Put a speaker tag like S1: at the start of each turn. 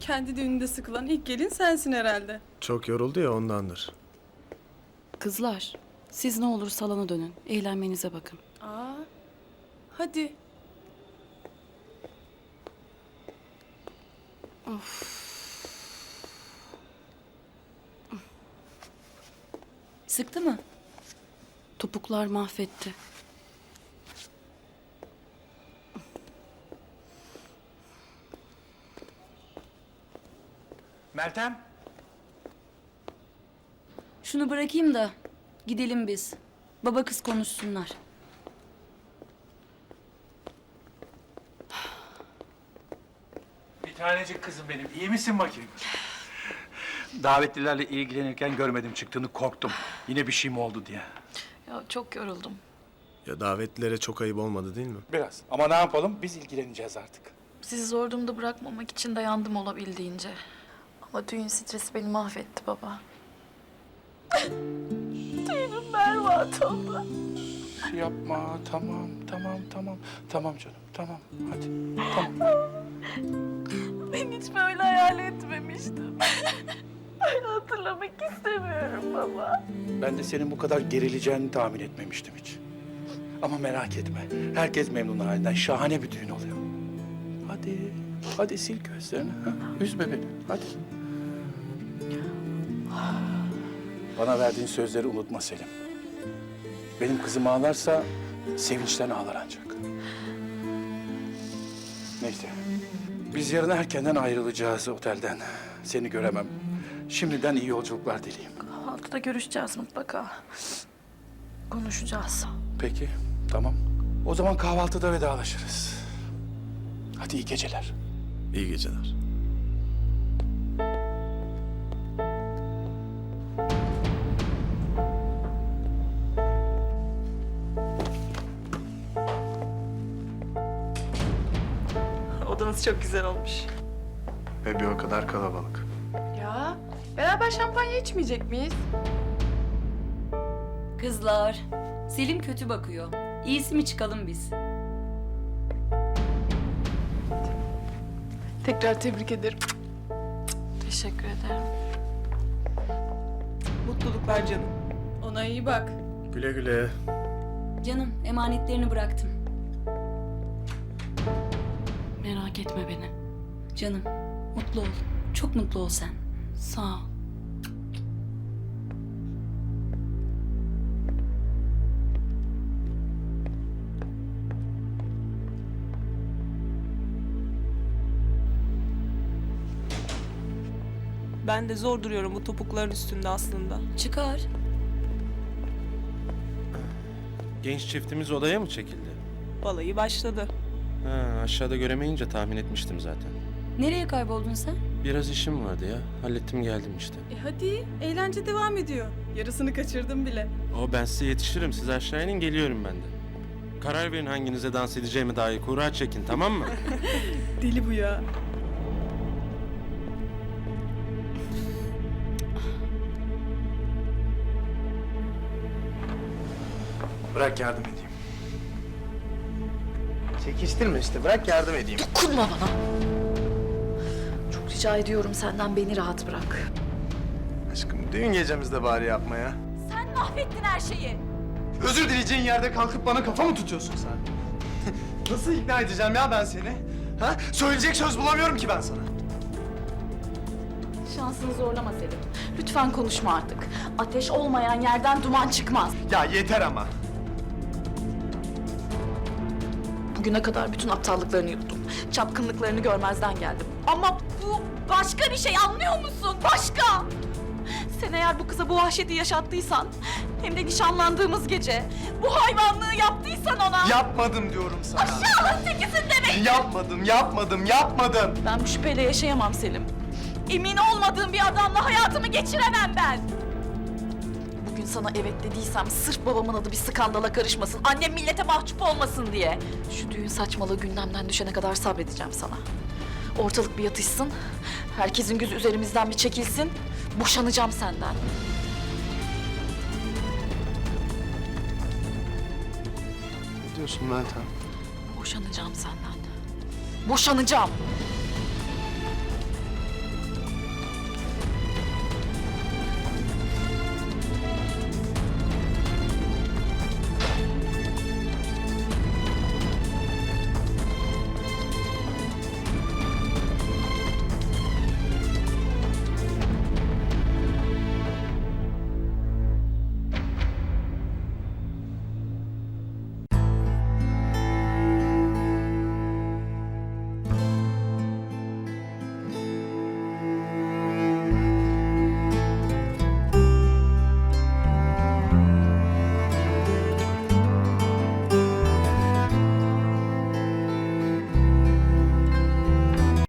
S1: Kendi düğününde sıkılan ilk gelin sensin herhalde.
S2: Çok yoruldu ya ondandır.
S3: Kızlar, siz ne olur salona dönün. Eğlenmenize bakın.
S1: Aa, hadi.
S3: Sıktı mı? Topuklar mahvetti.
S4: Meltem.
S3: Şunu bırakayım da gidelim biz. Baba kız konuşsunlar.
S4: Bir tanecik kızım benim. İyi misin bakayım? Davetlilerle ilgilenirken görmedim çıktığını, korktum. Yine bir şey mi oldu diye.
S5: Ya çok yoruldum.
S2: Ya davetlilere çok ayıp olmadı değil mi?
S4: Biraz. Ama ne yapalım? Biz ilgileneceğiz artık.
S5: Sizi zor durumda bırakmamak için dayandım olabildiğince. Ama düğün stresi beni mahvetti baba. Düğünüm berbat oldu.
S4: Yapma. Tamam. Tamam canım. Tamam. Hadi. Tamam.
S5: Ben hiç böyle hayal etmemiştim. Öyle hatırlamak istemiyorum baba.
S4: Ben de senin bu kadar gerileceğini tahmin etmemiştim hiç. Ama merak etme. Herkes memnun halinden. Şahane bir düğün oluyor. Hadi. Hadi sil gözlerini. Ha? Üzme beni. Hadi. Bana verdiğin sözleri unutma Selim. Benim kızım ağlarsa sevinçten ağlar ancak. Neyse. Biz yarın erkenden ayrılacağız otelden. Seni göremem. Şimdiden iyi yolculuklar dileyim.
S5: Kahvaltıda görüşeceğiz mutlaka. Konuşacağız.
S4: Peki, tamam. O zaman kahvaltıda vedalaşırız. Hadi iyi geceler.
S2: İyi geceler.
S6: Odanız çok güzel olmuş.
S2: Ve bir o kadar kalabalık.
S1: Ya, beraber şampanya içmeyecek miyiz?
S3: Kızlar, Selim kötü bakıyor. İyisi mi çıkalım biz?
S1: Tekrar tebrik ederim.
S5: Teşekkür ederim.
S6: Mutluluklar canım.
S1: Ona iyi bak.
S2: Güle güle.
S3: Canım, emanetlerini bıraktım. Merak etme beni. Canım, mutlu ol. Çok mutlu ol sen. Sağ ol.
S6: Ben de zor duruyorum bu topukların üstünde aslında.
S3: Çıkar.
S7: Genç çiftimiz odaya mı çekildi?
S6: Balayı başladı.
S7: Ha, aşağıda göremeyince tahmin etmiştim zaten.
S3: Nereye kayboldun sen?
S7: Biraz işim vardı ya. Hallettim geldim işte.
S1: Hadi, eğlence devam ediyor. Yarısını kaçırdım bile.
S7: Ben size yetişirim. Siz aşağı inin, geliyorum ben de. Karar verin hanginize dans edeceğime dair. Kura çekin, tamam mı?
S1: Deli bu ya.
S2: Bırak yardım edeyim. Çekiştirme işte, bırak yardım edeyim.
S5: Dokunma bana. Çok rica ediyorum senden, beni rahat bırak.
S2: Aşkım düğün gecemizde bari yapma ya.
S3: Sen mahvettin her şeyi.
S2: Özür dileyeceğin yerde kalkıp bana kafa mı tutuyorsun sen? Nasıl ikna edeceğim ya ben seni? Ha? Söyleyecek söz bulamıyorum ki ben sana.
S5: Şansını zorlama Selim. Lütfen konuşma artık. Ateş olmayan yerden duman çıkmaz.
S2: Ya yeter ama.
S5: Bugüne kadar bütün aptallıklarını yuttum. Çapkınlıklarını görmezden geldim. Ama bu başka bir şey, anlıyor musun? Başka! Sen eğer bu kıza bu vahşeti yaşattıysan, hem de nişanlandığımız gece bu hayvanlığı yaptıysan ona...
S2: Yapmadım diyorum sana.
S5: Aşağılık tekisin demek!
S2: Yapmadım.
S5: Ben bu şüpheyle yaşayamam Selim. Emin olmadığım bir adamla hayatımı geçiremem ben. Bugün sana evet dediysem sırf babamın adı bir skandala karışmasın, annem millete mahcup olmasın diye. Şu düğün saçmalığı gündemden düşene kadar sabredeceğim sana. Ortalık bir yatışsın, herkesin gözü üzerimizden bir çekilsin, boşanacağım senden.
S2: Ne diyorsun Meltem?
S5: Boşanacağım senden. Boşanacağım.